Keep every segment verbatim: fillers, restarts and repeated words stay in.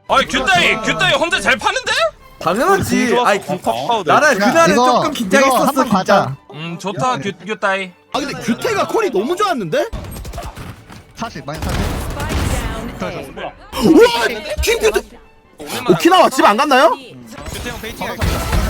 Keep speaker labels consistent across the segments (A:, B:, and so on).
A: 아이 규따이 규따이 혼자 잘 파는데?
B: 당연하지. 아이 나는
C: 야,
B: 그날은
C: 이거,
B: 조금
C: 이거
B: 긴장했었어
C: 한번
B: 진짜.
C: 가자.
A: 음 좋다 규 규따이.
D: 아 근데 규태가 콜이 너무 좋았는데?
C: 사실 많이 사실.
D: 우와! 팀 규태! 오키나와 집 안 갔나요?
A: 규태 형 베이팅 할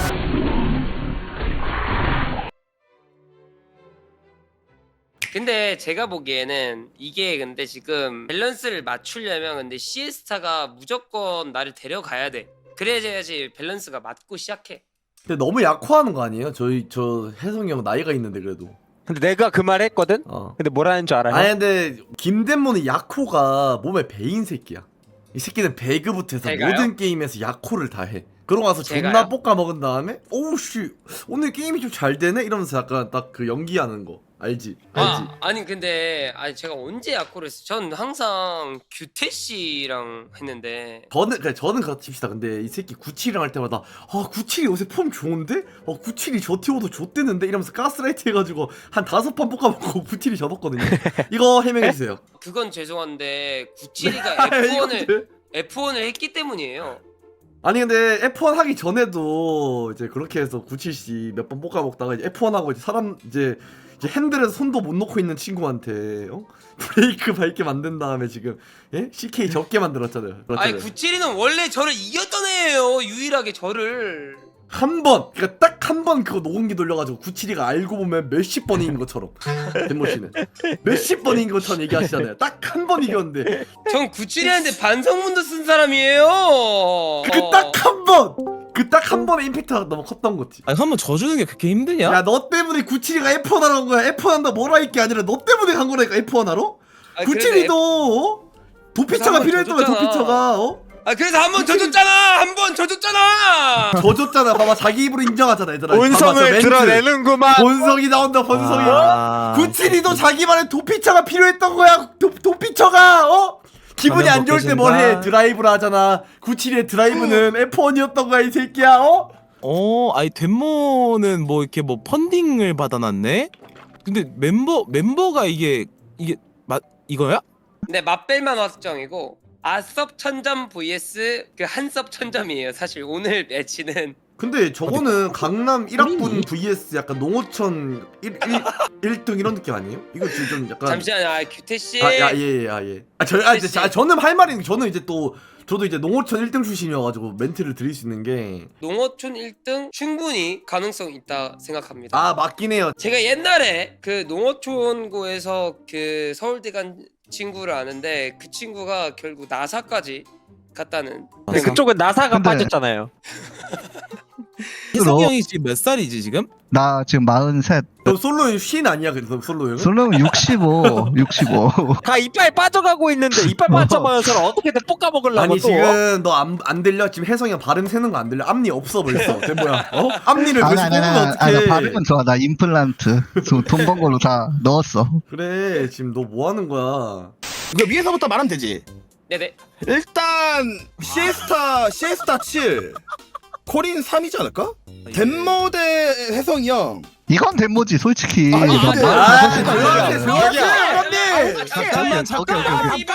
E: 근데 제가 보기에는 이게 근데 지금 밸런스를 맞추려면 근데 시에스타가 무조건 나를 데려가야 돼. 그래야지 밸런스가 맞고 시작해.
B: 근데 너무 약화하는 거 아니에요? 저희 저 혜성이 형 나이가 있는데 그래도.
F: 근데 내가 그 말 했거든?
B: 어.
F: 근데 뭐라는 줄 알아요?
B: 아니 근데 김대모는 야코가 몸에 배인 새끼야. 이 새끼는 배그부터 해서
E: 제가요?
B: 모든 게임에서 야코를 다 해. 그러고 나서 존나
E: 제가요?
B: 볶아 먹은 다음에 오우씨 오늘 게임이 좀 잘 되네? 이러면서 약간 딱 그 연기하는 거 알지? 알지?
E: 아, 아니 근데 아니 제가 언제 야코를 했어? 전 항상 규태 씨랑 했는데
B: 저는 그래 저는 그렇다 칩시다. 근데 이 새끼 구칠이랑 할 때마다 아 구칠이 요새 폼 좋은데? 어 구칠이 저티오도 좆대는데? 이러면서 가스라이트 해가지고 한 다섯 판 볶아먹고 구칠이 접었거든요. 이거 해명해주세요.
E: 그건 죄송한데 구칠이가 에프원을 에프원을 했기 때문이에요.
B: 아니 근데 에프원 하기 전에도 이제 그렇게 해서 구칠씨 몇 번 볶아먹다가 이제 에프원 하고 이제 사람 이제 이제 핸들에서 손도 못 놓고 있는 친구한테 어? 브레이크 밟게 만든 다음에 지금 예? 씨케이 접게 만들었잖아요.
E: 아니
B: 그렇잖아요.
E: 구칠이는 원래 저를 이겼던 애예요. 유일하게 저를.
B: 한 번, 그러니까 딱 한 번 그거 녹음기 돌려가지고 구칠이가 알고 보면 몇십 번인 것처럼 덴모 씨는 몇십 번인 것처럼 얘기하시잖아요. 딱 한 번 이겼는데
E: 전 구칠이한테 반성문도 쓴 사람이에요.
B: 그 딱 한 번, 그 딱 한 번의 임팩트가 너무 컸던 거지.
G: 아니 한번 져주는 게 그렇게 힘드냐?
B: 야 너 때문에 구칠이가 에프원 하러 온 거야. 에프원 한다 뭐라 할 게 아니라 너 때문에 간 거라니까 에프원 하러?
E: 아, 그래도
B: 구칠이도 어? 도피처가
E: 한번
B: 필요했던 거야.
E: 져줬잖아.
B: 도피처가 어?
E: 아 그래서 한 번 져줬잖아. 한 번 져줬잖아.
B: 져줬잖아. 봐봐 자기 입으로 인정하잖아 얘들아. 봐봐, 저
F: 본성을
B: 멘트.
F: 드러내는구만.
B: 본성이 나온다 본성이.
F: 아.
B: 구칠이도 자기 말에 도피처가 필요했던 거야. 도, 도피처가 어? 기분이 안 좋을 때 뭘 해? 드라이브를 하잖아. 구칠이의 드라이브는 에프원이었던 거야 이 새끼야. 어?
G: 어, 아니 덴모는 뭐 이렇게 뭐 펀딩을 받아놨네. 근데 멤버 멤버가 이게 이게 맞 이거야?
E: 네 맛벨만 확정이고 아섭 천점 vs 그 한섭 천점이에요. 사실 오늘 매치는
B: 근데 저거는 강남 일 학분 vs 약간 농어촌 일 등 이런 느낌 아니에요? 이거 지금 좀 약간
E: 잠시만요. 아, 규태 씨.
B: 아야예예 예. 아, 저, 아, 저, 아 저는 할 말이 저는 이제 또 저도 이제 농어촌 일 등 출신이어가지고 멘트를 드릴 수 있는 게
E: 농어촌 일 등 충분히 가능성 있다 생각합니다.
B: 아 맞긴 해요.
E: 제가 옛날에 그 농어촌고에서 그 서울대 간 친구를 아는데 그 친구가 결국 나사까지 갔다는.
F: 근데 그쪽은 나사가
C: 근데-
F: 빠졌잖아요.
G: 희성이 형이 지금 몇 살이지 지금?
C: 나 지금 마흔셋.
B: 너 솔로 쉰 아니야 그래서 솔로 형은?
C: 솔로는 육십오, 육십오.
F: 다 이빨 빠져가고 있는데 이빨 빠져버려서 어떻게든 볶아먹으려고
B: 아니
F: 또.
B: 지금 너 안 안 들려? 지금 혜성이 형 발음 새는 거 안 들려? 앞니 없어 벌써. 쟤 뭐야? 어? 앞니를
C: 아니
B: 벌써
C: 아니
B: 뽑으면
C: 아니 아니, 나
B: 어떡해?
C: 발음은 좋아. 나 임플란트 돈 번 걸로 다 넣었어.
B: 그래 지금 너 뭐 하는 거야?
D: 이거 위에서부터 말하면 되지.
E: 네네.
D: 일단 시에스타 시에스타 칠 코린 삼이지 않을까? 덴모 대 혜성이 형.
C: 이건 덴모지 솔직히.
D: 아니,
C: 나
D: 근데-
C: 말
B: 아,
C: 잘못했는데.
B: 조용히 조용히
D: 형님.
G: 잠깐만 잠깐만.
D: 아니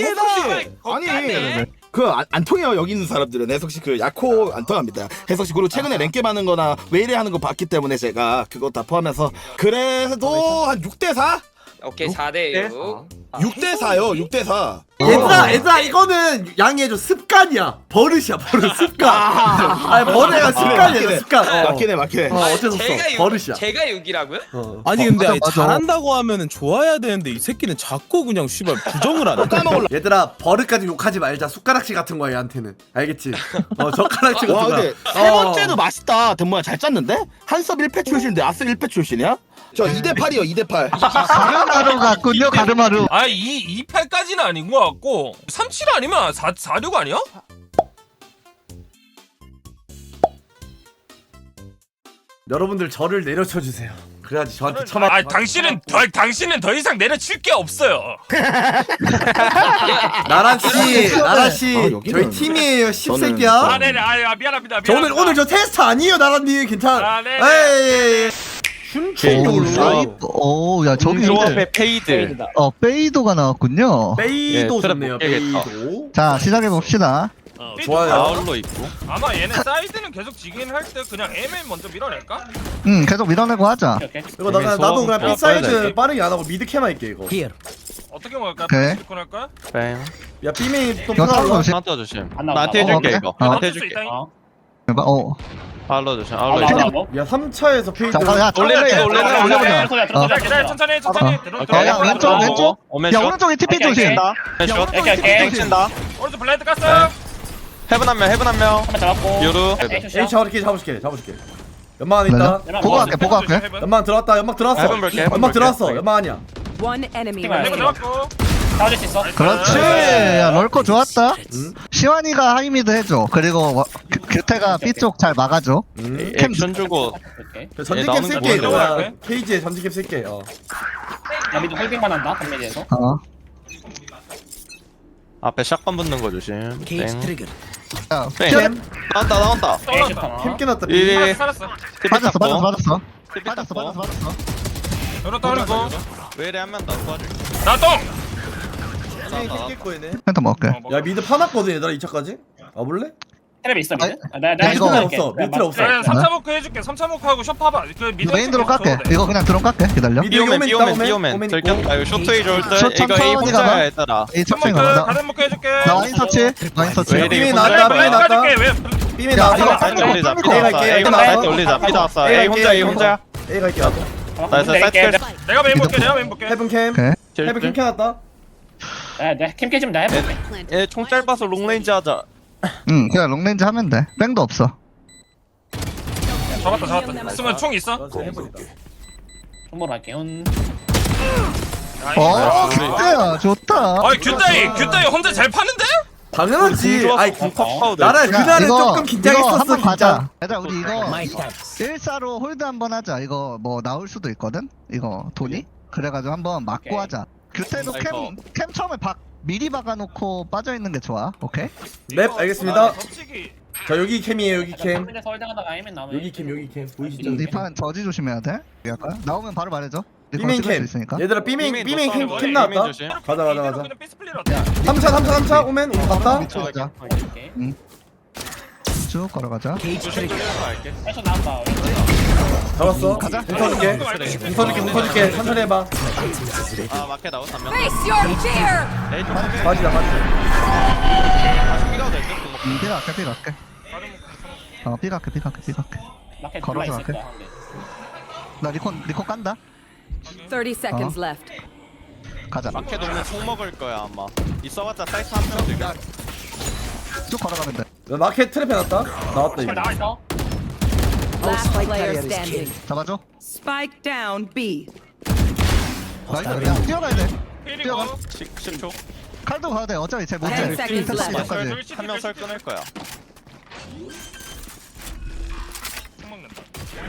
D: 그 안 통해요. 여기 있는 사람들은 혜석 씨 그 야코 안 통합니다. 혜석 씨 그리고 최근에 랭겜 하는 거나 웨이레 하는 거 봤기 때문에 제가 그거 다 포함해서 그래도 한 육 대 사?
E: 오케이 사 대 육.
D: 육 대 사요. 육 대 사.
B: 얘들아 얘들아 이거는 양해해줘. 습관이야. 버릇이야 버릇 습관. 아니 버릇가 습관이야 습관. 어.
D: 맞긴 해 맞긴 해.
B: 어 어쩔 수 없어.
E: 제가 육-
B: 버릇이야.
E: 제가 육이라고요?
B: 어.
G: 아니
C: 어,
G: 근데
C: 맞아,
G: 아니,
C: 맞아.
G: 잘한다고 하면은 좋아야 되는데 이 새끼는 자꾸 그냥 씨발 부정을 하네.
D: 까먹을라.
B: 얘들아 버릇까지 욕하지 말자. 숟가락질 같은 거야 얘한테는. 알겠지? 어 젓가락질
D: 와
B: 같은 거야.
D: 근데 세
B: 어.
D: 번째도 맛있다. 덴모야 잘 짰는데? 한섭 일 패 출신인데 아스 일 패 출신이야? 저 이 대 팔이요. 이 대 팔.
C: 가르마루 같군요. 가르마루.
A: 아이 이팔까지는 아닌 것 같고 삼칠 아니면 사 사육 아니야?
B: 여러분들 저를 내려쳐 주세요. 그래야지 저한테 처마.
A: 아 당신은 더 당신은 더 이상 내려칠 게 없어요.
B: 나란 씨, 나란 씨,
D: 아, 여기는-
B: 저희 팀이에요.
A: 아
B: 십새끼야.
A: 네네 아 미안합니다.
B: 저 오늘
A: 미안합니다.
B: 오늘 저 테스트 아니에요, 나란님. 괜찮.
A: 아, 네.
B: 에이.
C: 오,
B: 춤추려고.
C: 사이버. 오, 야 저기 근데
F: 조합의 페이드.
C: 어 페이도가 나왔군요.
B: 베이도
F: 예,
B: 좋네요.
F: 트랩 못
B: 베이도.
C: 자 시작해 봅시다.
A: 어.
B: 좋아요.
H: 아울로 있고.
A: 아마 얘네 사이드는 계속 지긴 할 때 그냥 M에 먼저 밀어낼까?
C: 응 계속 밀어내고 하자.
B: 이거 나, 나, 나도 그냥
H: 어,
B: B 사이드
H: 빨리
B: 빠르게 안 하고 미드 캠 할게 이거.
A: 어떻게 먹을까?
C: 오케이.
A: 시콘 할까?
H: 뱀.
B: 야 B메인 또
C: 이거 싸움
B: 풀어라.
C: 조심.
H: 하나 떠주심.
F: 안 나온다.
H: 나한테
C: 어,
H: 해줄게
C: 그래?
H: 이거.
C: 어.
H: 나한테
A: 해줄 수
H: 해줄게.
A: 있다잉.
C: 어.
H: 아울로 조심.
C: 어,
H: 아울로
C: 야,
H: 있어.
B: 야 삼 차에서 페이드.
C: 잠깐 야
H: 올릴래 이거 올릴래
C: 올려보자.
H: 올릴래.
F: 소리야
C: 어.
F: 들어서
A: 기다려 천천히 천천히
C: 어.
A: 들어
H: 오케이.
C: 야, 왼쪽, 왼쪽.
H: 오멘
C: 야
H: 슛.
C: 오른쪽에 티피
F: 오케이,
C: 조심.
F: 오케이.
H: 다. 슛.
F: 오케이, 오케이.
H: 땡친다.
A: 오른쪽 블라인드 깠어.
H: 헤븐 한 명. 헤븐 한 명.
F: 한번 잡았고.
H: 유루.
B: A 잡을게 잡을게 잡을게. 연막 안에 있다.
C: 내가 보고 갈게 보고 갈게.
B: 연막 들어왔다. 연막 들어왔어.
H: 해본 볼게, 해본
B: 연막
H: 볼게.
B: 들어왔어. 연막 아니야.
I: One enemy
F: Team
A: 해븐
I: remaining.
A: 잡았고.
F: 잡아줄 수 있어.
C: 그렇지. 야 럴코 좋았다.
B: 응?
C: 시완이가 하이미드 해줘. 그리고 워- 규- 규태가 B 쪽 잘 막아줘.
B: 음.
H: 액션 주고.
F: 오케이.
B: 전직캡
H: 나오는
B: 쓸게
H: 거
B: 이거.
A: 뭐야?
B: 야, 케이지에 전직캡 쓸게. 어.
F: 나 미드 홀딩만 한다. 단메디에서.
C: 어.
H: 앞에 샷건 붙는 거 조심. 땡.
C: 야
H: 땡.
C: 뛰어.
H: 나온다 나온다.
A: 떨어졌다.
B: 캠 깨놨다.
H: 이-
B: B.
A: 살았어 살았어.
C: 맞았어 맞았어 맞았어.
H: 티피
C: 맞았어
H: 탔고.
C: 맞았어 맞았어.
A: 열어 떨리고.
H: 외래 한 명 더 도와줄게.
A: 나 똥.
B: 캠 깼고 얘네.
C: 펜터 먹을게.
B: 야 미드 파놨거든 얘들아 이 차까지. 와볼래?
F: 테레비 있어 미드?
C: 아니,
F: 아, 내가
C: 야,
F: 내가
C: 이거
F: 해줄게.
B: 없어.
F: 내가
B: 밑으로 없어.
A: 야, 삼 차 모크 해줄게. 삼 차 모크하고 셔 파봐. 그 미드
C: 이거 메인으로 깎게. 이거 그냥 드론 깎게. 기다려.
B: 미드
H: 비오멘
B: 오멘 있다,
H: 비오멘
B: 오멘.
H: 비오멘.
B: 오멘
H: 들켰다. 이거 쇼트웨이 좋을 때.
C: 저
H: 이거 A
C: 천천히
H: 혼자야
C: 가봐.
H: 얘들아.
C: 이
A: 삼
C: 첫째
A: 모크
C: 가자.
A: 가든 모크 해줄게.
C: 나 와인 서치. 와인 서치.
H: 왜 이래?
B: 삐미
H: 이거
B: 나왔다.
H: 혼자
B: 삐미
A: 블라인드
B: 나왔다.
A: 까줄게. 왜?
B: 삐미
C: 야,
B: 나왔다.
C: 이거
H: 사이트 올리자.
C: 삐
H: 삐 나왔어. A 혼자 사이트 올리자. 삐 나왔어. A 혼자 A 혼자.
B: A 갈게 나도.
H: 나이스 사이트
F: 내릴게.
H: 킬.
A: 내가 메인 볼게. 내가 메인 볼게.
B: 헤븐 캠.
C: 오케이.
B: 헤븐 캠 켜놨다.
F: 야, 내가 캠 깨지면 나 해볼게.
H: 얘총 짧아서 롱레인지 하자.
C: 응 그냥 롱렌즈 하면 돼. 뺑도 없어.
A: 잡았다 잡았다. 쓰면 총 있어?
B: 알았어, 해보니까.
F: 손보러 할게. 음.
C: 어
H: 우리-
C: 규태야 좋다.
A: 아이 규따이 규따이 혼자 잘 파는데?
B: 당연하지. 아이 그
H: 파우더.
B: 나라
C: 야,
B: 그날은
C: 이거-
B: 조금
C: 이거
B: 긴장했었어
C: 한번
B: 진짜.
C: 가자. 얘들아 우리 이거 일사로 홀드 한번 하자. 이거 뭐 나올 수도 있거든. 이거 돈이. 그래가지고 한번 막고
F: 오케이.
C: 하자. 규태도
H: 아이고.
C: 캠 캠 처음에 박 미리 박아놓고 빠져 있는 게 좋아. 오케이.
B: 랩 알겠습니다.
A: 덮치기.
B: 자 여기 캠이에요 여기 캠.
F: 근데 서울대가다가 아니면 나오면
B: 여기 캠 여기 캠 보이시죠?
F: 여기.
C: 이판 저지 조심해야 돼. 할까? 나오면 바로 말해줘.
B: B메인 캠.
C: 있으니까.
B: 얘들아 B메인
H: B메인
B: B메인 캠,
H: 더
B: 캠
H: 싸워.
B: 나왔다.
H: B메인 조심.
B: 가자, 가자,
A: 이대로
B: 가자.
A: 그냥 삐스플릿 어때?
B: 삼 차 삼 차 삼 차 오멘 우리 갔다.
C: 밑으로 가자.
F: 오케이.
C: 쭉 걸어가자.
H: 할게.
F: 패션 나온다.
B: 잡았어.
C: 가자.
B: 공 터줄게. 공 터줄게 공 터줄게. 천천히 해봐.
H: 아 마켓 나온 한 명.
I: Face your fear.
H: 에이 좀 하게.
B: 빠지자 빠지자.
H: 다시 삐가도 될듯
C: 음, 삐 갈게 삐 갈게. 어, 삐 갈게 삐 갈게 삐 갈게.
F: 마켓
C: 걸어서
F: 들어와 있을
C: 갈게.
F: 거야. 근데.
C: 나 리콘 리콘 깐다.
I: Thirty seconds left.
C: 가자.
H: 마켓 오면 총 먹을 거야 아마. 있어봤자 사이트 한 명 들려.
C: 쭉 걸어가면 돼.
B: 야, 마켓 트랩 해놨다. 나왔다 이거.
F: 나와 있어.
I: Last player standing.
C: 잡아줘.
I: Spike down B.
C: 나 이거 야 뛰어가야 돼.
A: 필이고.
H: 십 초.
C: 칼도 가야 돼. 어차피 쟤 못해.
I: Ten seconds left.
C: 까지.
H: 한명 설 끊을 거야.
A: 총 먹는다.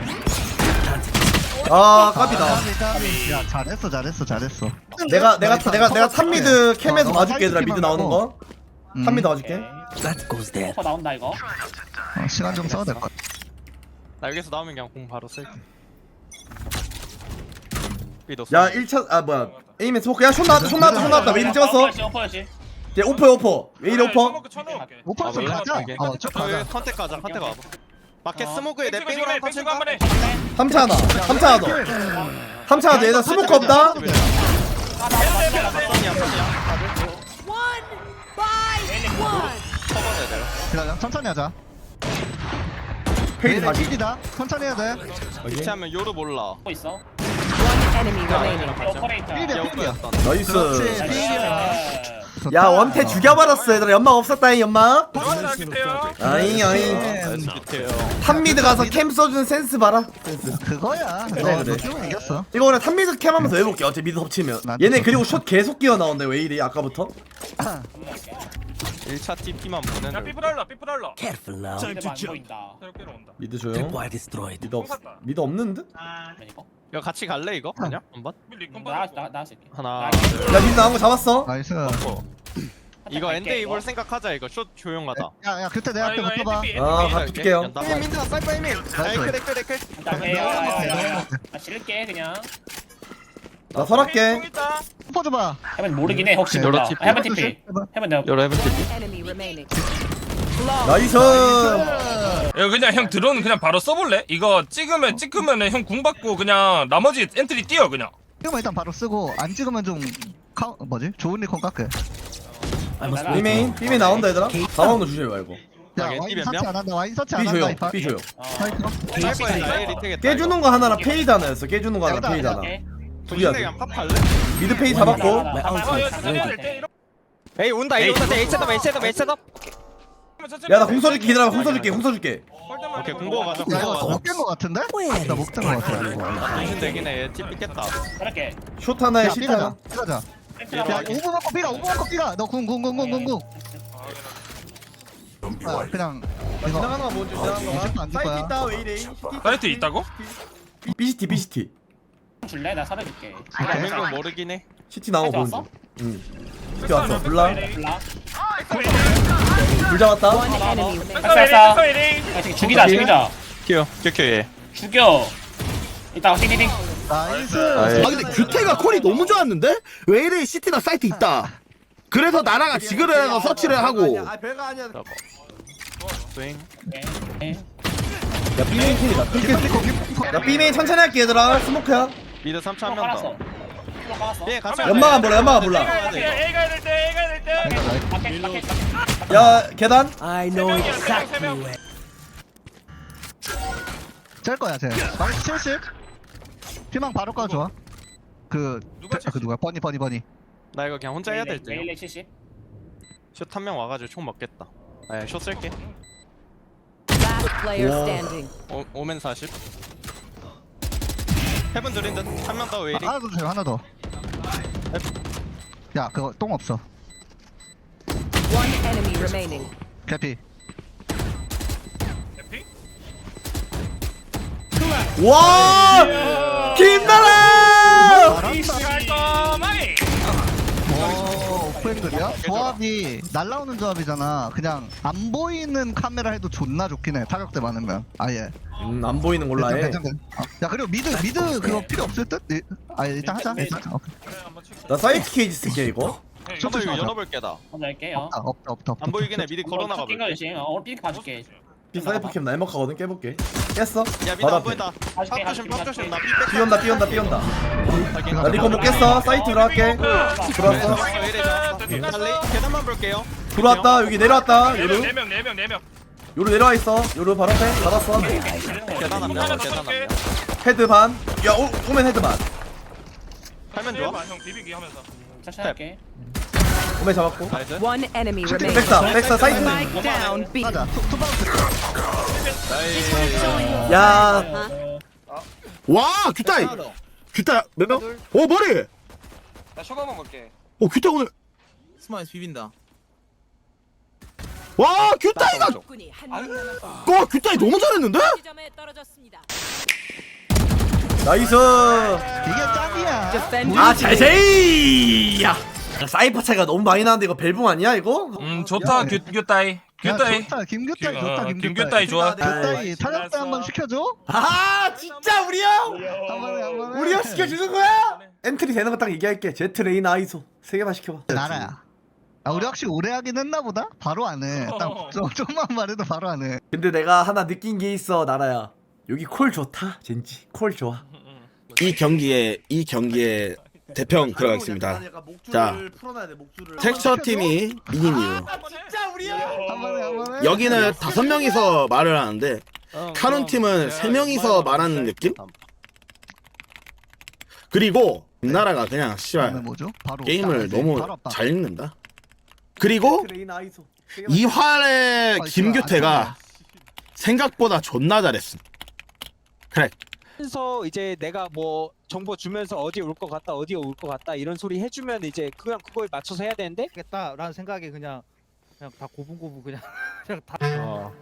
B: 아 깝이다.
C: 야 잘했어 잘했어 잘했어.
B: 내가 내가 내가 내가 탑미드 캠에서 봐줄게 얘들아 미드 나오는 거.
C: 음.
B: 탑미드 봐줄게.
F: 오퍼 나온다 이거.
C: 어, 시간 좀 써도 될 것. 같아.
H: 나 여기서 나오면 그냥 공 바로 쓸게. 삐도
B: 야 일 차 아 뭐야 에이맨 스모크 야손 나왔다 손 나왔다 손 나왔다 왜 이리 찍었어?
F: 오퍼였지, 오퍼였지.
B: 얘 오퍼 오퍼 왜 이래 오퍼?
A: 쳐놓을게.
C: 오퍼에서 가자. 어, 쭉 가자.
H: 컨택 가자. 컨택 와봐. 마켓
F: 어.
H: 스모그에 내
A: 뺑치고
H: 뺑이랑
A: 지금 뺑치고
H: 컨택
A: 한 번에.
B: 삼 차 하나 삼 차 하나 더. 삼 차 하나 더 얘들아 스모크 없다.
I: One by one.
C: 기다려. 천천히 하자.
B: 페이지
C: 얘네
B: 다시.
C: 킬이다. 천천히 해야 돼.
H: 위치하면 요로 몰라.
F: 오퍼 있어.
I: One enemy remaining.
F: 오퍼레이터.
C: 필이야 필이야.
H: 여우였던.
B: 나이스.
C: 그렇지.
F: 나이스.
B: 야 원태 죽여버렸어 얘들아 연막 없었다잉 연막.
A: 들어가자 기태요.
B: 아잉 아잉.
H: 나이스 기태요.
B: 탑미드 가서 캠 써주는 센스 봐라. 센스.
C: 그거야.
B: 그래,
C: 너
B: 그래.
C: 너 이겼어.
B: 이거 그냥 탑미드 캠 하면서 해볼게 어차피 미드 덮치면.
C: 나한테
B: 얘네
C: 줘.
B: 그리고 숏 계속 끼어 나온다 왜 이래 아까부터?
H: 일 차 티피만
A: 야
H: 보내는.
A: 삐프랄라 삐프랄라.
F: 근데 안 보인다.
A: 새롭게로 온다.
B: 미드 조용. 미드 없
A: 샀다.
B: 미드 없는 듯?
F: 이거?
H: 이거 같이 갈래 이거? 그냥 한번.
A: 밀리콘
F: 나
A: 받았고.
F: 나 나왔을 게.
H: 하나.
B: 야 미드 나온 거 잡았어.
C: 나이스.
H: 어. 이거 엔드 이볼 생각하자 이거 숏 조용하다.
C: 야야 그때 내
A: 아,
C: 앞에
A: 이거
C: 붙어봐.
A: 엔티피,
B: 아
A: 엔티피.
B: 바꿀게요.
H: 민트나 사이퍼 이민. 댓글 댓글 댓글.
F: 나 실게 그냥.
B: 나 설할게.
A: 총 있다.
C: 붙어 줘봐.
F: 해면 모르긴 해 혹시
C: 오케이.
F: 몰라.
H: 요로 티피.
F: 해면 티피. 해면 내가
H: 요로 헤븐 티피.
I: Enemy remaining.
B: 나이스.
A: 이거 그냥 형 드론 그냥 바로 써볼래? 이거 찍으면 찍으면은 형 궁 받고 그냥 나머지 엔트리 뛰어 그냥.
C: 이거 일단 바로 쓰고 안 찍으면 좀 카 뭐지? 좋은 리콘 깎게.
B: B메인 B메인 나온다 얘들아. 사방도 주지 말고.
C: 야
H: 아,
C: 와인
H: 몇
C: 서치
H: 명?
C: 안 한다. 와인 서치 안
B: B
C: 한다.
B: 줘요.
C: 이파.
B: B 줘요.
C: 사이트.
B: 깨주는 거 하나랑 페이드 하나였어. 깨주는 거 하나 페이드 하나. 둘이야.
H: 그냥 팝할래?
B: 미드 페이드 잡았고.
F: 에이 온다 에이 온다 에이 셋업 에이 셋업 에이 셋업.
B: 야나 공 써줄게 기다려. 공 써줄게. 공 써줄게.
H: 오케이 공고 가자.
C: 야 이거
H: 공고
C: 못깬 거 같은데? 나 못깬 거 같아.
H: 정신 되긴 해. 얘 팁 삐겠다.
B: 숏 하나에
C: 야
B: 시트
C: 삐가자.
B: 하나.
C: 삐가자. 야 오브 먹고 삐가 오브 먹고 삐가. 너궁궁궁궁궁궁. 아 그냥 이거
B: 지나가는 거 뭔지 지나가는
C: 안
B: 거.
C: 줄 거야.
B: 사이트 있다 웨이레인.
A: 사이트 있다고?
B: 비시티 비시티.
H: 고민고 모르긴 해.
B: 시티 나온 거 보는 중. 응. 시티 왔어. 블라. 불 잡았다.
I: One enemy remaining.
H: 죽이자 죽이자. 큐 큐큐 얘.
C: 나이스.
D: 아 근데 규태가 콜이 너무 좋았는데? 왜 이래 시티나 사이트 있다. 그래서 나라가 지그를 해서 서치를 하고.
B: 아 별거 아니야.
H: 스윙.
B: 야 B메인 킬이다. 킬게. 나 B메인 천천히 할게 얘들아. 스모크야.
H: 미드 삼 차 한 명 더. 예 같이.
B: 연마가 몰라. 연마가 몰라. 야 계단.
C: 짤 거야 쟤. 마이너스 칠십. 피망 바로 까줘 좋아. 그,
A: 누가
C: 그 누구야? 버니 버니 버니.
H: 나 이거 그냥 혼자 해야 될 때. 슛 한 명 와가지고 총 먹겠다. 아, 슛 쓸게.
I: Last player standing.
H: 오, 오멘 사십. 헤븐 드린 듯. 한 명 더 웨이링.
C: 하나 더 주세요 하나 더. 야 그거 똥 없어.
I: One enemy remaining.
C: 개피.
B: 와! 김나라!
C: 오 오프앵글이야? 조합이 날라오는 조합이잖아. 그냥 안 보이는 카메라 해도 존나 좋긴 해. 타격대 많으면 아예.
B: 음, 안 보이는 걸로 해.
C: 괜찮, 괜찮, 괜찮. 야 그리고 미드 미드 그거 필요 없을 듯? 이- 아 일단 하자. 일단 하자. 오케이.
B: 나 사이트 케이지 쓸게 이거.
H: 저도 이거 열어볼게다.
C: 없다 없다 없다 없다.
H: 안 보이긴 해. 미리 걸어나가 볼게.
B: 비 사이퍼 캠 날먹하거든. 깨볼게. 깼어?
H: 야 미드
B: 바로
H: 안
B: 앞에.
H: 보인다. 팝 조심 팝 조심. 나 삐백.
B: 삐온다 삐온다 삐온다. 나 리코 못 깼어. 사이트 들어갈게. 들어왔어.
H: 빨리 계단만 볼게요.
B: 들어왔다. 여기 내려왔다. 요루.
A: 네명 네 명 네 명.
B: 요루 내려와 있어. 요루 바로 앞에 받았어.
H: 계단 한 명. 계단 한 명.
B: 헤드 반. 야 오, 오면 헤드 반.
H: 하면 좋아.
A: 형 비비기 하면서.
H: 스텝.
B: 오면 잡았고.
H: 나이스.
I: One enemy remaining.
B: 백사 백사 사이트.
I: Spike down B.
C: 하자. 투- 투바운스.
B: 야
D: 와 규타이. 규타 몇 명? 오 머리.
E: 나 쇼가만 볼게.
D: 오 규타 오늘.
G: 스마일 비빈다.
D: 와 규타이가.
I: 적군이 한명 남았습니다.
D: 와 규타이 너무 잘했는데?
I: 지점에 떨어졌습니다.
B: 나이스.
C: 이게 짱이야.
I: Defender.
B: 아 잘세이. 야 사이퍼 차이가 너무 많이 나는데 이거 벨붕 아니야 이거?
A: 음 좋다 규 규따이.
C: 야,
A: 규따이.
C: 좋다. 김규따이
A: 규-
C: 좋다.
A: 어,
C: 김규따이.
A: 김규따이 좋아.
C: 규따이 타격대 한번 시켜줘.
B: 아 진짜 우리 형.
C: 한 번에 한 번에.
B: 우리 형 시켜주는 거야? 엔트리 되는 거 딱 얘기할게. 제트 레인 아이소 세 개만 시켜봐.
C: 나라야. 아 우리 확실히 오래 하긴 했나 보다. 바로 안 해. 딱 좀, 좀만 말해도 바로 안 해.
B: 근데 내가 하나 느낀 게 있어 나라야. 여기 콜 좋다. 젠지 콜 좋아.
D: 이 경기에 이 경기에 대평 들어가겠습니다. 자, 텍스처 팀이 이긴 이유.
B: 진짜 우리 형.
C: 한 번에 한 번에.
D: 여기는 다섯 명이서 말을 하는데 카론 팀은 세 명이서 말하는 느낌? 그리고 김나라가 그냥
C: 그다음에
D: 씨발
C: 뭐죠? 바로
D: 게임을
C: 딱
D: 너무
C: 바로 앞방.
D: 잘 읽는다. 그리고
B: 레인 아이소. 세 개만
D: 이 활의
C: 아,
D: 김규태가 생각보다 존나 잘했음. 그래.
F: 그래서 이제 내가 뭐 정보 주면서 어디 올 것 같다 어디 올 것 같다 이런 소리 해주면 이제 그냥 그거에 맞춰서 해야 되는데
J: 겠다라는 생각에 그냥 그냥 다 고분고분 그냥 그냥 다
A: 어.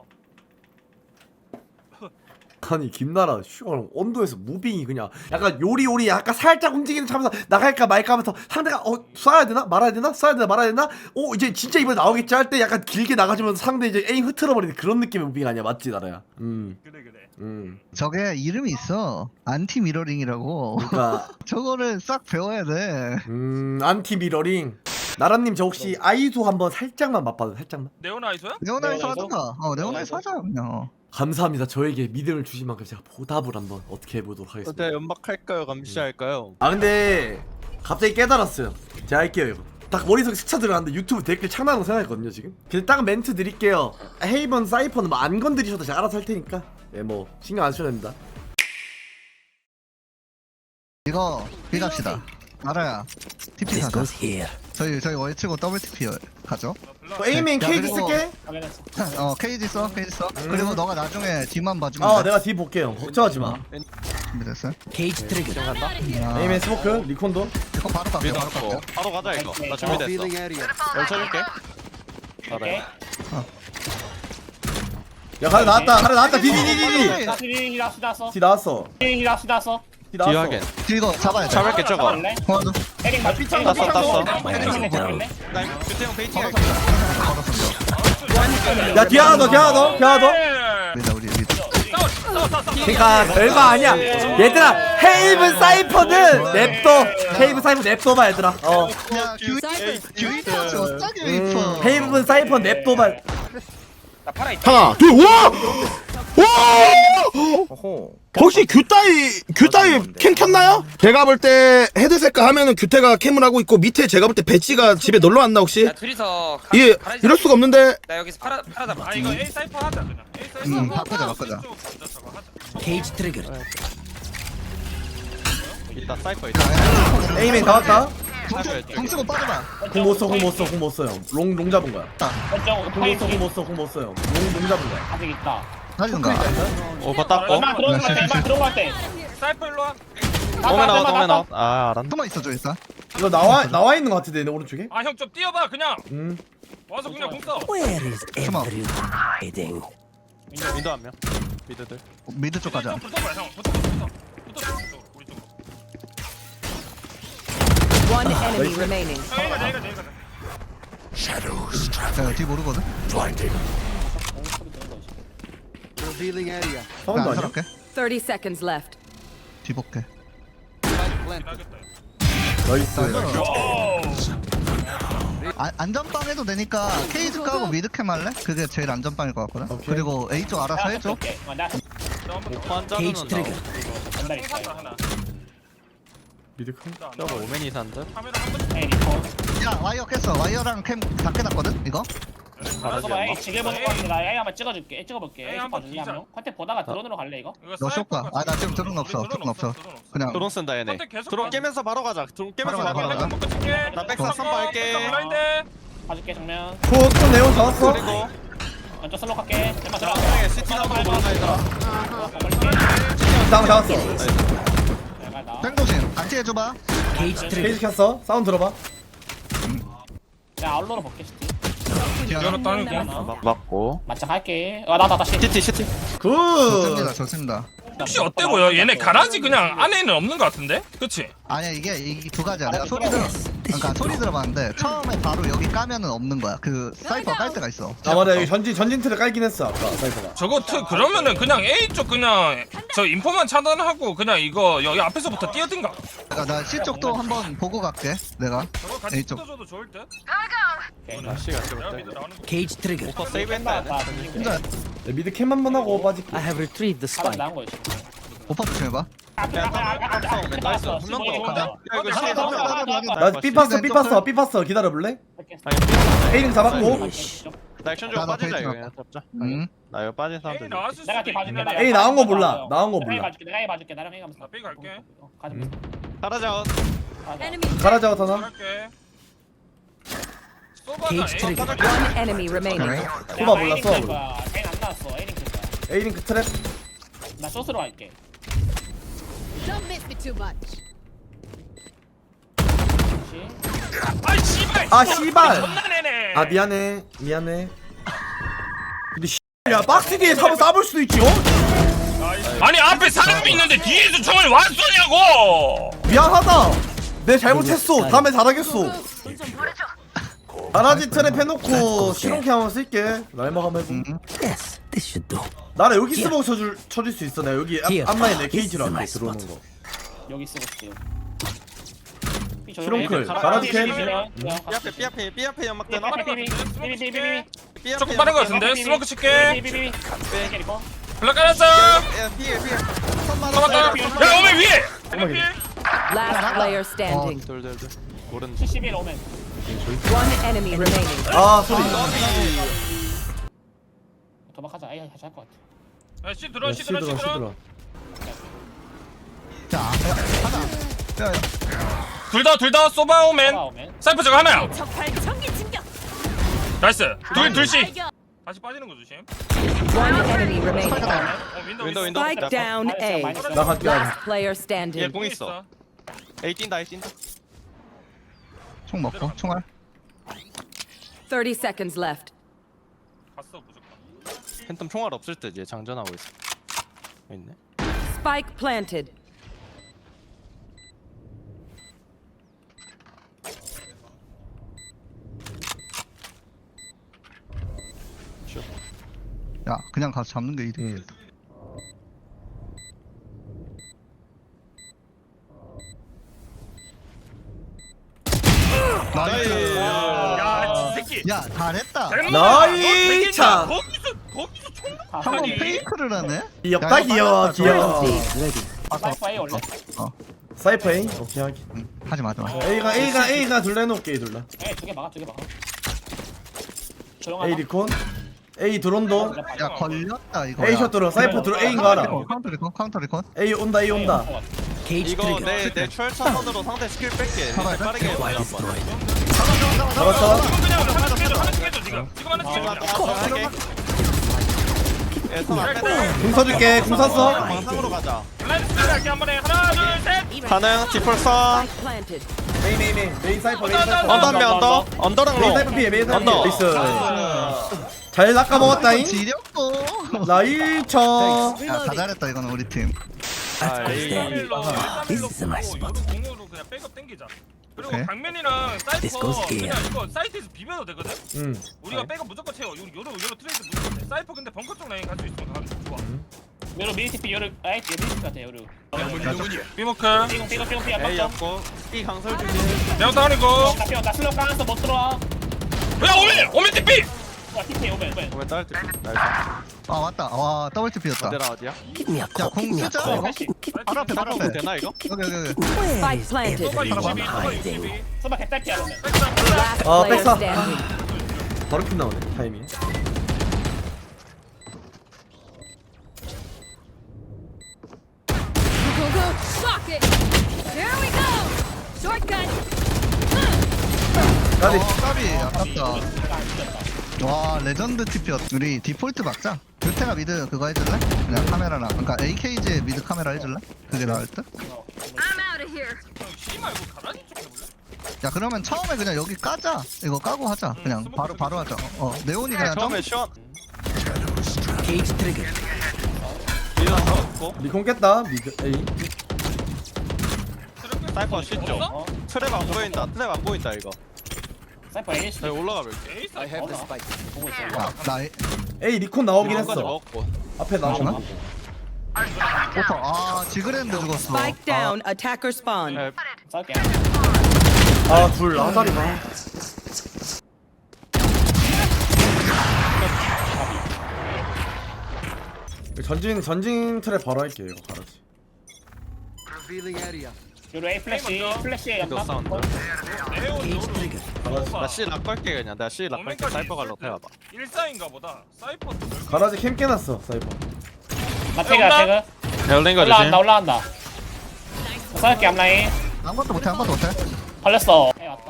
B: 아니 김나라 슈가 언도에서 무빙이 그냥 약간 요리요리 약간 살짝 움직이는 차면서 나갈까 말까 하면서 상대가 어 쏴야 되나 말아야 되나 쏴야 되나 말아야 되나 어 이제 진짜 이번에 나오겠지 할 때 약간 길게 나가주면서 상대 이제 에임 흐트러버리는 그런 느낌의 무빙 아니야 맞지 나라야. 음.
A: 그래 그래.
B: 음.
C: 저게 이름이 있어. 안티 미러링이라고.
B: 그러니까
C: 저거를 싹 배워야 돼.
B: 음 안티 미러링. 나라님 저 혹시 아이소 한번 살짝만 맛봐도 살짝만.
A: 네오나 아이소야?
C: 네오나에서 하던가. 어 네오나에서 하자 그냥. 어.
B: 감사합니다. 저에게 믿음을 주신 만큼 제가 보답을 한번 어떻게 해보도록 하겠습니다.
H: 어때 연막할까요? 감시할까요?
B: 아 근데 갑자기 깨달았어요. 제가 할게요 이거. 딱 머릿속에 스쳐 들어갔는데 유튜브 댓글 창나는 거 생각했거든요 지금. 그냥 딱 멘트 드릴게요. 헤이번 사이퍼는 뭐 안 건드리셔도 제가 알아서 할 테니까 예 뭐 신경 안 쓰셔도 됩니다.
C: 이거 비갑시다. 알아야. 티피 사자. 저희 저희 월치고 더블 티피 가죠.
B: 어, 에이맨
C: 야,
B: 케이지
C: 그리고-
B: 쓸게.
C: 어 케이지 써 케이지 써. 그리고 너가 나중에 뒤만 봐주면
B: 어
C: 돼.
B: 내가 뒤 볼게요. 걱정하지 마.
C: 준비됐어요?
G: 게이지 트랙
H: 간다.
C: 아,
B: 에이맨 스모크 리콘도.
C: 이거 바로 갈게요. 바로
H: 믿었고
C: 갈게요.
H: 바로 가자 이거. 나 준비됐어. 열 쳐줄게. 알아요.
B: 야 가래 나왔다. 가래 나왔다. 디디디디디.
C: 네.
B: 디 나왔어. 디 나왔어.
H: 뒤하게.
C: 이거 잡아야 돼.
H: 잡을게 저거.
C: 어,
B: 아 삐창
H: 땄어
B: 삐창
H: 땄어.
B: 도
H: 나 규태형 베이팅 할게.
B: 야 뒤 하나 더. 뒤 하나 더. 뒤 하나 더.
C: 우리다 우리 우리.
B: 그러니까 별거 아니야. 얘들아 헤이븐 사이퍼는 냅둬. 헤이븐 사이퍼 냅둬봐 얘들아. 어.
C: 야 규 규이터지 어쩌게
B: 음,
C: 웨이퍼.
B: 헤이븐 사이퍼 냅둬봐.
D: 하나 둘 우와 우와 혹시 규따이 규따이 캠 켰나요? 제가 볼 때 헤드셋과 하면은 규태가 캠을 하고 있고 밑에 제가 볼 때 배치가 집에 놀러 왔나 혹시?
E: 야 둘이서 가,
D: 예
E: 가라지
D: 이럴 수가 없는데
E: 나 여기서 팔아 팔아다 봐.
A: 아 이거 A 사이퍼 하자 그냥. A 사이퍼.
C: 음, 바꾸자, 바꾸자.
G: 게이지 트랙
H: 이따 사이퍼 있다.
B: 에이맨 다 왔다.
C: 공 쓰고 빠져봐.
B: 공못 써, 공 못 써, 공 못 써요. 롱, 롱 잡은 거야. 공 못 써, 공 못 써, 공 못 써요. 롱, 롱 잡은 거야.
C: 하든가.
H: 오버 땄고.
A: 사이퍼 일로 와.
H: 오멘 아웃 오멘 아웃. 아 알았네.
C: 숨어 있어줘 일단.
B: 이거 나와, 나와 있는 거 같은데, 내 오른쪽에?
A: 아 형 좀 뛰어봐 그냥.
B: 음.
A: 와서 그냥 공 써.
C: 숨어.
H: 미드 한 명. 미드들.
C: 미드 쪽 가자.
A: 좀 붙어봐 형. 붙어 붙어 붙어. 붙어 붙어. 우리 쪽으로.
I: One enemy remaining.
A: 내가 내가 내가.
C: 야, 뒤 모르거든.
B: 사운드
C: 안
B: 아니야?
C: 살았게.
I: thirty seconds left.
C: 뒤 볼게.
B: 나이스.
C: 아, 안전빵 해도 되니까 케이지 까고 미드캠 할래? 그게 제일 안전빵일 것 같거든. 그리고 A 쪽 알아서 해줘.
H: 오판 자르는 나.
B: 미드 큰?
H: 저거 오멘이 산드.
A: 카메라 한 번.
C: 야 와이어 깼어. 와이어랑 캠 다 깨놨거든. 이거.
H: 잘하지 않나?
K: 지게 보는 거 같은데 나 A 한번 찍어줄게. 찍어볼게.
A: A
K: A
A: 한번
K: 봐줄래 한
A: 진짜.
K: 명? 컨택 보다가 드론으로 갈래 이거?
A: 이거
C: 너
A: 사이퍼
C: 쇼가.
A: 같은
C: 아, 나 지금
A: 거.
C: 드론 없어.
A: 우리
C: 드론 없어.
A: 드론 없어.
C: 그냥
H: 드론 쓴다 얘네.
A: 컨택 계속
H: 드론
A: 가.
H: 깨면서 바로 가자. 드론 깨면서
C: 바로
H: 바로
C: 가자,
H: 가자.
C: 바로 가자.
H: 나 백사 선바 할게.
A: 블라인드.
K: 봐줄게 정면.
B: 굿, 또 네온 잡았어.
H: 그리고
K: 먼저 슬로 갈게. zem마 들어가.
H: 마지막에 시티 나보고 몰라 얘들아.
B: 다음 잡았어.
C: 뺑도신 같이 해줘봐.
B: 페이지 켰어. 사운드 들어봐.
K: 야 아울러로 볼게 시티.
A: 열었다는 거.
H: 막 맞고.
K: 맞짱 할게. 와나나 다시.
H: 시티 시티.
B: 굿.
C: 좋습니다. 좋습니다.
A: 혹시 어때 보여? 얘네 가라지 그냥 안에는 없는 것 같은데? 그치?
C: 아니야 이게 이 두 가지야. 내가 소리 들어. 그러니까 소리 들어봤는데 처음에 바로 여기 까면은 없는 거야. 그 사이퍼 깔 때가 있어.
B: 아, 맞아. 여기 전진, 전진 틀을 깔긴 했어, 아까, 사이퍼가.
A: 저거 트 그러면은 그냥 A 쪽 그냥 저 인포만 차단하고 그냥 이거 여기 앞에서부터 뛰어든가.
C: 그러니까 나 C 쪽도 한번 보고 갈게. 내가.
A: 저거 같이
C: A 쪽.
A: 붙어줘도 좋을 듯.
H: 날씨가 찍을
A: 내가
H: 때.
A: 미드 나오는 거.
G: 게이지 트랙
H: 오퍼 세이브 했다 얘네.
C: 혼자
B: 네, 미드 캠 한 번 하고 빠질게.
G: I have retrieved the
K: 하나
G: spike.
K: 나온 거였어.
C: 오빠 조심해봐.
H: 그냥 깜짝 오멘 나이스. 한 명 더.
C: 가자.
H: 야 이거 시티 한 명.
B: 나 삐팠어, 삐팠어, 삐팠어. 기다려볼래? 에이링 잡았고.
H: 나 액션 좀
C: 나, 나
H: 빠지자 이거
C: 페이지
H: 그냥 잡자.
C: 응.
H: 나 이거 빠진
A: A
H: 사람들.
A: 나왔을 수
K: 내가 뒤 봐줄게.
A: 있긴 해.
B: A 나온 거 몰라. 나온 거
K: 내가 A
B: 몰라.
K: 봐줄게. 내가 A 봐줄게. 나랑 A 가면서.
A: 나 B 갈게.
K: 어, 가자.
H: 가라자.
I: Enemy.
B: 가라자, 하나.
A: 갈게. 쏘바가
G: 게이지
A: A
G: 트랙
I: One enemy remaining.
B: 소바 몰랐어.
K: A 안 나왔어. A 링크 거야.
B: 에이링 그 트랩.
K: 나 쇼스로 갈게.
I: Don't miss me too much.
A: 아이 씨발.
B: 아, 씨발.
A: 존나 내네.
B: 아, 미안해. 미안해. 근데 씨, 야, 박스 뒤에 사면 싸볼 수도 있지, 어?
A: 아니 앞에 사람이 있는데 뒤에서 총을 왜 쏘냐고.
B: 미안하다. 내 잘못했어. 다음에 잘하겠어. 가라지 트랩 해놓고 실온캐 한번 쓸게. 날막 한번 해보.
C: 응.
G: Yes, this should do.
B: 나를 여기 스모그 쳐줄, 쳐줄 수 있어. 내가 여기
G: Here.
B: 앞- 앞라인에 케이지로 할게. 들어오는 거.
K: 여기 쓰고 있어요.
B: 트렁클 가라지 캠.
H: B 앞에 B 앞에 B 앞에 연막 되나? B 앞에
A: 조금 빠른 거 같은데?
H: 연막
A: 스모크 칠게.
K: 비비비.
A: 블락 깔았어.
H: 야 피해 피해
A: 잡았다. 야 오메 위에. 오메 위에.
I: Last player standing.
H: 돌돌돌 모르는
K: 칠십일 오멘.
I: One enemy remaining.
B: 아 소리.
K: 도망가자. 아이 같이 할것 같아.
A: 야, 씨 들어, 씨
B: 시들어
A: 들어, 씨 들어.
B: 시들어.
C: 자, 야, 하나. 야, 야.
A: 둘 다, 둘 다 소바 오멘.
K: 오멘.
A: 사이퍼 저거 하나야.
I: 적발 전기 충격.
A: 나이스. 둘, 둘씩. 다시 빠지는 거 조심.
I: One enemy remaining.
A: 어, 윈도우,
H: 윈도우,
A: 윈도우.
H: 윈도우.
I: Spike down A.
B: 나 갈게.
I: Last player
H: 얘
I: standing.
H: 공 있어 A 뛴다 A 뛴다
C: 총 먹고 총알.
I: Thirty seconds left.
A: 갔어 무조건.
H: 팬텀 총알 없을 때 이제 장전하고 있어 여기 있네
I: Spike planted.
C: 야, 그냥 가서 잡는 게 이득이겠다. 나이스.
A: 야, 이 새끼.
C: 야, 잘했다.
B: 나이 차.
A: 거기서, 거기서 총.
C: 한번 페이크를 하네.
B: 귀엽다 귀여워 귀여워.
K: 사이퍼 A 올래.
B: 사이퍼 A. 오케이 하기.
C: 응, 하지 마, 하지 마.
B: A가 A가 A가 둘 내놓을게 A 둘라.
K: A 두개 막아, 두개 막아.
B: A
K: 조용하다.
B: 리콘. A 드론도.
C: 야, 걸렸다 이거.
B: A 샷 들어. 사이퍼 들어. A인 거 알아.
C: 카운터 리콘, 카운터 리콘.
B: A 온다 A 온다.
H: 이거 내내 철차선으로 상대 스킬 뺄게
C: 잡아야 돼?
H: 빠르게 해봐 한번
B: 잡았어.
A: 지금 그냥 하나 죽여줘, 하나 죽여줘 지금. 지금 하나
H: 지금
A: 죽여줘.
H: 할게 예선 앞에
B: 궁 써줄게. 궁 쐈어.
H: 방상으로 가자
A: 라이트 스피드 할게 한 번에. 하나, 둘, 셋.
H: 가능 디폴선
I: Spike planted.
B: 메인 메인 메인 메인 사이퍼 메인 사이퍼.
H: 언더 한명 언더 언더랑
B: 메인
H: 로
B: 사이퍼 피해 메인 사이퍼
H: 언더.
B: 피해. 나이스. 잘 낚아 먹었다잉.
C: 지렸고.
B: 나이처.
C: 야, 다 잘했다 이거는 우리 팀.
H: 아 에이
A: 일삼일로 일삼일로 요로 공유로 그냥 백업 땡기자. 그리고
C: 오케이.
A: 강면이랑 사이퍼 그냥 이거 사이트에서 비벼도 되거든.
B: 응.
A: 우리가 백업 무조건 채워. 요- 요로 요로 트레이드 무조건 해. 사이퍼 근데 벙커 쪽 라인 갈 수 있으면 가면 좋아.
K: 요로 미니티피 요로 아이 미니티피 같아 요로.
A: 비모크.
K: 삐공 삐공 삐공 삐
H: A
K: 안맞죠?
H: 였고 B 강설 준비
A: 내가 하니고.
K: 나 삐공 나 슬로 까면서 못 들어와.
A: 야 오멘 오멘 티피.
K: 와 티피 오멘 오멘.
H: 오면 딸 때. 나이스
C: 아, 맞다. 와, 더블 티피였다.
H: 어디라 어디야?
C: 야, 공 쓰자 이거. 바로 앞에, 바로 앞에.
H: 되나 이거?
C: 여기, 여기, 여기.
I: Spike planted.
A: 소바 육십이, 소바 육십이.
K: 소바 개딸피야 오멘.
I: Last
B: 아,
I: player
B: 백사.
I: standing.
B: 바로 핀 나오네 타이밍.
I: Go go. Shock it. Here we go. Shortcut.
B: 까비.
C: 어, 까비. 아깝다. 와, 레전드 티피였. 우리 디폴트 박자. 교태가 미드 그거 해줄래? 그냥 카메라랑. 그러니까 에이케이지 미드 카메라 해줄래? 그게 나을 듯?
I: I'm out of here.
A: 씨 말고 가라니 좀 해볼래?
C: 야, 그러면 처음에 그냥 여기 까자. 이거 까고 하자. 그냥
A: 스모크
C: 바로 바로 하자. 어, 네온이 그냥 점.
H: 처음에 시원 리더 잡았고
B: 리콘 깼다. 미드 A.
H: 사이퍼 쉽죠?
A: 어?
H: 트랩 안 보인다 트랩 안 보인다 이거
K: 사이퍼 A
H: 나 올라가 볼게
A: 에이스.
K: 보고 있어.
C: 야, 나 에-
B: A 리콘 나오긴
H: 이거까지
B: 했어.
H: 먹었고
B: 앞에 나오고.
C: 오퍼. 아, 지그랜드 죽었어.
I: Spike down. Attacker spawn.
H: 네,
K: 싸울게.
B: 아둘 아다리가. 전진 전진 트랩 바로 할게 이거 가라지.
K: 요로 A 플래시 플래시
H: 이거
K: 약간.
H: 사운드
A: 네온 요로.
H: 나 C 락 걸게 그냥 나 C 락 걸게 사이퍼 갈로 해봐봐
A: 일사인가 보다. 사이퍼
B: 가라지 캠 깨놨어 사이버.
K: 나 태그 태그.
H: 열린 거
K: 올라간다 올라간다. 싸울게 앞라인.
C: 아무것도 못해, 아무것도 못해.
K: 걸렸어. A 왔다.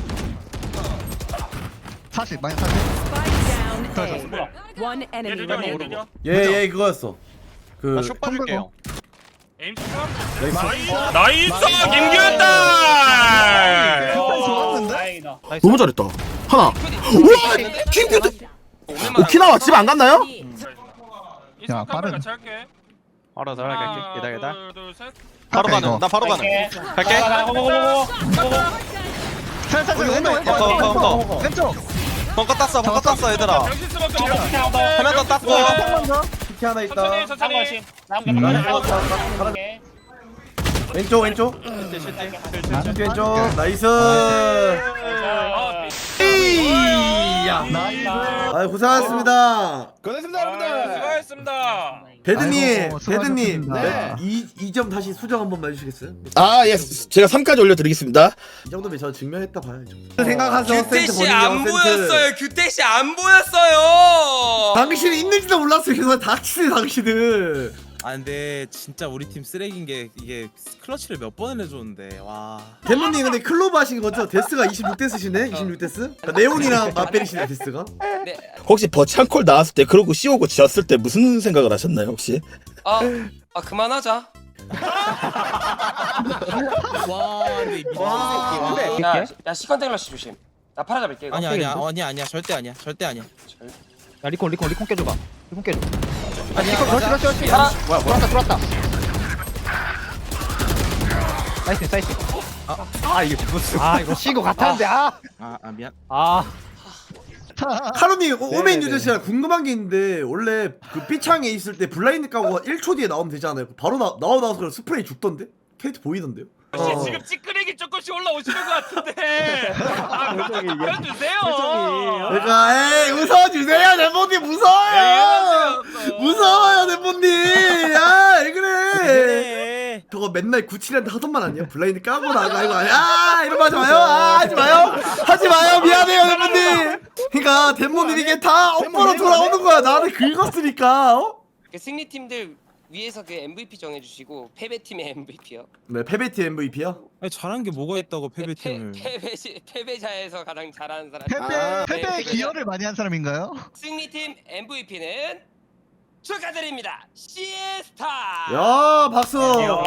C: 사십, 마이너스 사십.
I: Spike down A.
K: 뭐야?
I: One enemy
A: 얘들아
I: remaining.
A: 얘들아.
B: 얘얘 그거였어. 그
H: 나쇼 빠질게요
A: 에임 스탑.
B: 나이스.
A: 나이스 김규현다.
C: 좋았는데?
K: 다행이다.
D: 너무 잘했다. 하나. 우와! 김규 오키나와 집 안 갔나요?
C: 야, 빠른.
A: 같이 할게.
H: 알아서 할게 기다 기다
A: 둘, 둘, 셋.
H: 바로
C: 이거.
H: 가능 나 바로 가능
K: 갈게.
H: 갈게
K: 고고고고고.
C: 살살 왼쪽, 왼쪽,
H: 벙커,
C: 왼쪽,
H: 벙커.
C: 왼쪽, 왼쪽.
H: 벙커 땄어 벙커 땄어 얘들아
A: 병신 수밖에 없어.
H: 한 명 더 땄고
C: 한번 더.
B: 피키 하나 있다.
A: 천천히
K: 한
A: 천천히.
K: 번씩. 다음 게
C: 음.
K: 한
B: 가라지
K: 번씩.
B: 가라지 가라지.
K: 오케이.
B: 왼쪽 왼쪽
H: 실제 실제
B: 왼쪽 왼쪽 나이스
A: 아,
B: 에이야
C: 나이스.
B: 아 고생하셨습니다
D: 고생했습니다
A: 아,
D: 여러분들.
A: 수고하셨습니다.
B: 배드님
C: 아이고,
B: 배드님
C: 수고하셨습니다.
B: 이 점 다시 수정 한 번만 해주시겠어요?
D: 아예 제가 삼까지 올려드리겠습니다.
B: 이 정도면 저 증명했다 봐야죠 생각하세요
E: 규태
B: 센트
E: 씨
B: 본인이
E: 안
B: 센트.
E: 보였어요. 규태 씨 안 보였어요.
B: 당신이 있는지도 몰랐어요 그래서 닥치네 당신은
G: 아 근데 진짜 우리 팀 쓰레기인 게 이게 클러치를 몇 번을 해줬는데 와.
B: 대모님 근데 클로브 하신 거죠? 데스가 이십육 데스시네? 이십육 데스? 그러니까 네온이랑 맞베리시네 데스가
E: 네.
D: 혹시 버치 한 콜 나왔을 때 그러고 씌우고 지었을 때 무슨 생각을 하셨나요 혹시?
E: 아, 아 그만하자.
G: 와 근데 이 미친
B: 와.
G: 새끼.
E: 야, 야 시컨테일러씨 조심. 나 팔아 잡을게 이거.
G: 아니야 아니야 아니야 아니야 절대 아니야 절대 아니야.
J: 야 리콘 리콘 리콘 깨줘봐. 리콘 깨줘. 아
G: 아니야,
J: 리콘 그렇지
G: 맞아.
J: 그렇지 그렇지.
E: 팔아.
J: 뭐야 뭐야. 들어왔다 들어왔다. 사이트 사이트. 아, 아 이게 무슨? 아 이거 신고 같았는데 아.
G: 아, 아 미안.
J: 아.
B: 카로님 오- 오메인
J: 네네네.
B: 유저씨가 궁금한 게 있는데 원래 그 B창에 있을 때 블라인드 까고 일 초 뒤에 나오면 되잖아요 바로 나, 나와 나와서 그냥 스프레이 죽던데? 캐릭터 보이던데요?
A: 혹시
B: 어.
A: 지금 찌끄레기 조금씩 올라오시는 것 같은데. 아,
J: 표정이 이게.
A: 보여주세요.
B: 그러니까 에이 웃어주세요 대모님 무서워요 무서워요 대모님 아왜 그래
G: 그래.
B: 저거 맨날 구칠한테 하던 말 아니야? 블라인드 까고 나가 이거 아니야? 아 이런 거 하지 마요 아 하지 마요 하지 마요 미안해요 대모님 그니까 대모님 이게 다 업보로 돌아오는 거야 나를 긁었으니까 어?
E: 그 승리팀들 위에서 그 엠브이피 정해주시고 패배팀의 엠브이피요.
B: 네 패배티 엠브이피야?
G: 아니 잘한 게 뭐가 있다고 패배팀을.
E: 패배 패배자에서 가장 잘하는 사람.
C: 패배
E: 아,
C: 패배
E: 네,
C: 기여를 많이 한 사람인가요?
E: 승리팀 엠브이피는 축하드립니다. 시에스타.
B: 야 박수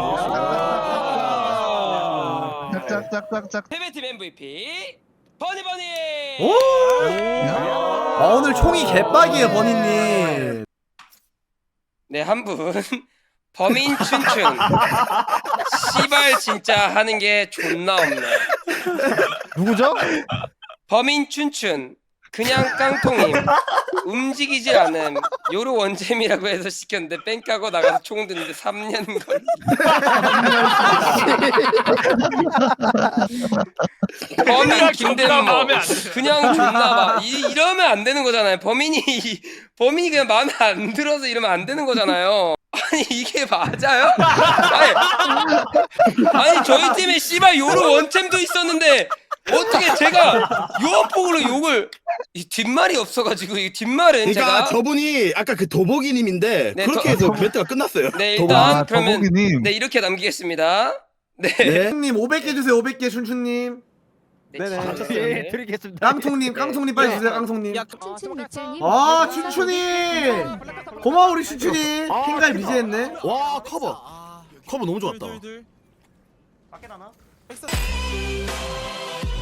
C: 짝짝짝짝짝.
E: 패배팀 엠브이피 버니버니.
B: 오! 아 오늘 총이 개빡이에요 버니님
E: 네, 한 분. 범인 춘춘. 씨발 진짜 하는 게 존나 없네.
J: 누구죠?
E: 범인 춘춘. 그냥 깡통임. 움직이질 않음. 요로 원잼이라고 해서 시켰는데 뺑 까고 나가서 총 드는데 삼 년 걸리. 범인
A: 존나
E: 김대모.
A: 마음에 안 들어.
E: 그냥 존나 봐. 이, 이러면 안 되는 거잖아요. 범인이 범인이 그냥 마음에 안 들어서 이러면 안 되는 거잖아요. 아니 이게 맞아요? 아니, 아니 저희 팀에 씨발 요로 원챔도 있었는데 어떻게 제가 요어폭으로 욕을 이 뒷말이 없어가지고 이 뒷말은
D: 그러니까
E: 제가
D: 저분이 아까 그 도보기님인데
E: 네,
D: 그렇게
E: 저-
D: 해서 배트가 끝났어요.
E: 네
D: 도보.
E: 일단
C: 아,
E: 그러면
C: 더보기님.
E: 네 이렇게 남기겠습니다. 네.
D: 네.
B: 님 오백 개 주세요 오백 개 춘춘님
E: 네네.
J: 예 드리겠습니다.
B: 깡통님 깡통님 빨리 주세요 깡통님
G: 야
I: 춘춘 미철님.
B: 아 춘춘이 고마워 우리 춘춘이 핑갈 미제했네
D: 와 커버.
G: 아,
D: 커버 너무 좋았다.
G: 둘, 둘, 둘.
H: 밖에 나나?
G: 백사-